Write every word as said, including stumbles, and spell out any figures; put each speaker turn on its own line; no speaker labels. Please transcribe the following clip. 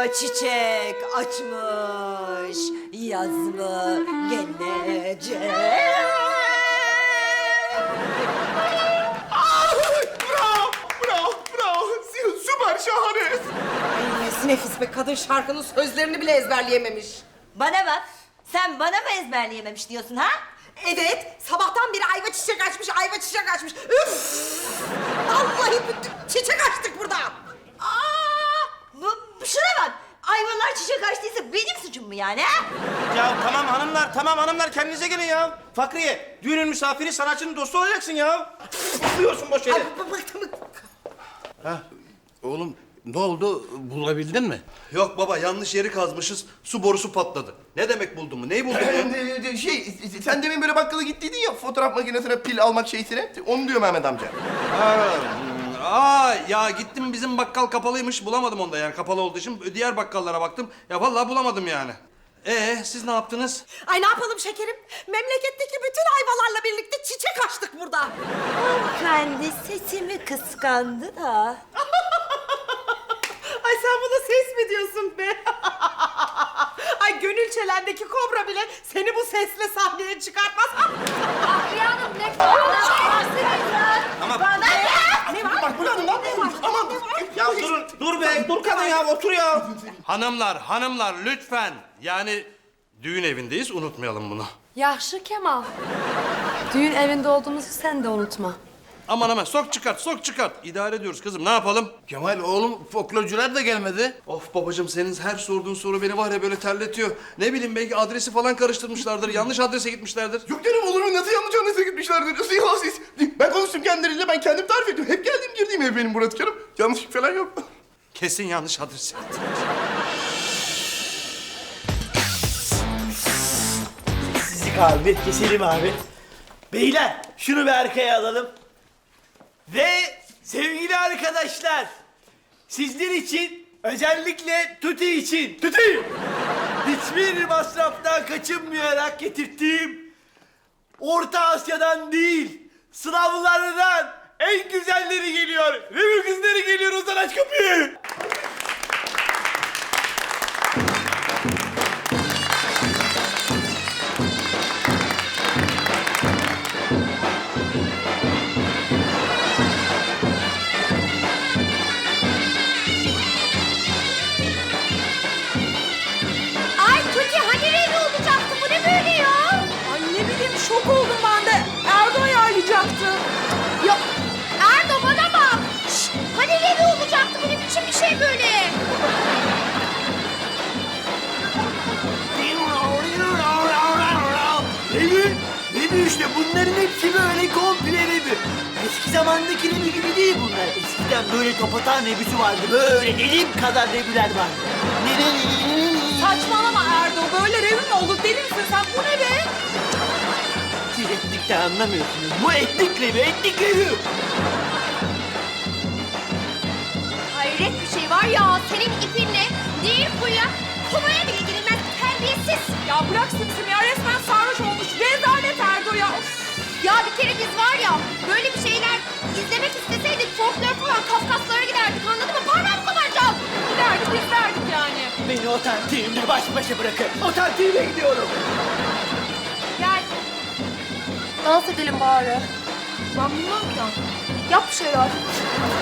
ayva çiçek açmış, yaz mı gelecek?
Bravo, bravo, bravo. Süper, şahane.
Ay, nefis be, kadın şarkının sözlerini bile ezberleyememiş.
Bana bak, sen bana mı ezberleyememiş diyorsun ha?
Evet, sabahtan beri ayva çiçek açmış, ayva çiçek açmış. Üf! Vallahi bütün çiçek açtık burada.
Aa, bu, bu şuna bak, ayvalar çiçek açtıysa benim suçum mu yani ha?
Ya tamam hanımlar, tamam hanımlar kendinize gelin ya. Fakriye, düğünün misafiri, sanatçının dostu olacaksın ya. Fısılıyorsun boş yere.
Ay, b- bıktım.
Oğlum ne oldu? Bulabildin mi?
Yok baba, yanlış yeri kazmışız. Su borusu patladı. Ne demek buldun mu? Neyi buldun ya?
Şey, sen demin böyle bakkala gittiydin ya fotoğraf makinesine pil almak şeysine. Onu diyor Mehmet amca.
Aa, ya gittim, bizim bakkal kapalıymış. Bulamadım onda yani, kapalı olduğu için. Diğer bakkallara baktım. Ya vallahi bulamadım yani. Ee, siz ne yaptınız?
Ay ne yapalım şekerim? Memleketteki bütün ayvalarla birlikte çiçek açtık burada.
Kendi sesimi kıskandı da.
Ay sen buna ses mi diyorsun be? Ay gönül çelendeki kobra bile seni bu sesle sahneye çıkartmaz.
Ahriye Hanım ne kadar
Tamam.
Ne var? Bak burada ne var? Aman.
Ya durun, dur be, dur kadın ya, otur ya.
Hanımlar, hanımlar lütfen. Yani düğün evindeyiz, unutmayalım bunu.
Yaxşı Kemal. Düğün evinde olduğumuzu sen de unutma.
Aman aman, sok çıkart, sok çıkart. İdare ediyoruz kızım, ne yapalım?
Kemal oğlum folklorcular da gelmedi.
Of babacığım, senin her sorduğun soru beni var ya böyle terletiyor. Ne bileyim, belki adresi falan karıştırmışlardır, yanlış adrese gitmişlerdir.
Yok canım, olur mu? Nasıl yanlış anlayışa gitmişlerdir? Nasıl ya siz? Ben konuştum kendileriyle, ben kendim tarif ettim. Hep geldiğim girdiğim ev benim burası canım. Yanlışlık falan yok.
Kesin yanlış adrese gittiler.
Sizi abi, keselim abi. Beyler, şunu bir arkaya alalım. Ve sevgili arkadaşlar, sizler için, özellikle Tuti için, Tuti! Hiçbir masraftan kaçınmayarak getirttiğim, Orta Asya'dan değil, Slavlardan en güzelleri geliyor. Ve bu kızları geliyor, Ozan aç kapıyı.
Ay Tuti hani revi olacaktı? Bu ne böyle ya?
Ay ne bileyim, şok oldum ben de. Erdo ayarlayacaktı.
Yok Erdo bana bak. Şşt, hani revi olacaktı? Bu ne biçim bir şey böyle?
Revi, revi işte, bunların hepsi böyle komple revi. Eski zamandaki revi gibi değil bunlar. Eskiden böyle topatan revisi vardı. Böyle elim kadar reviler vardı. Ne ne ne ne ne.
Saçmalama Erdo, böyle revim mi olur? Deli misin sen? Bu ne be?
Siz etnikten anlamıyorsunuz. Bu etnik revi, etnik revi.
Hayret bir şey var ya. Senin ipinle değil kuyuya, kovaya bile girilmez terbiyesiz.
Ya bırak Simsim ya, resmen sarhoş olmuş. Rezalet Erdo ya. Of.
Ya bir kere biz var ya böyle bir şeyler izlemek isteseydik folklor falan Kafkaslara giderdik, anladın mı? Parmağımı koparacağım.
Giderdik, izlerdik yani.
Beni otantiğimle baş başa bırakın. Otantiğime gidiyorum.
Gel. Dans edelim bari. Ben bilmem ki. Yap bir şeyler.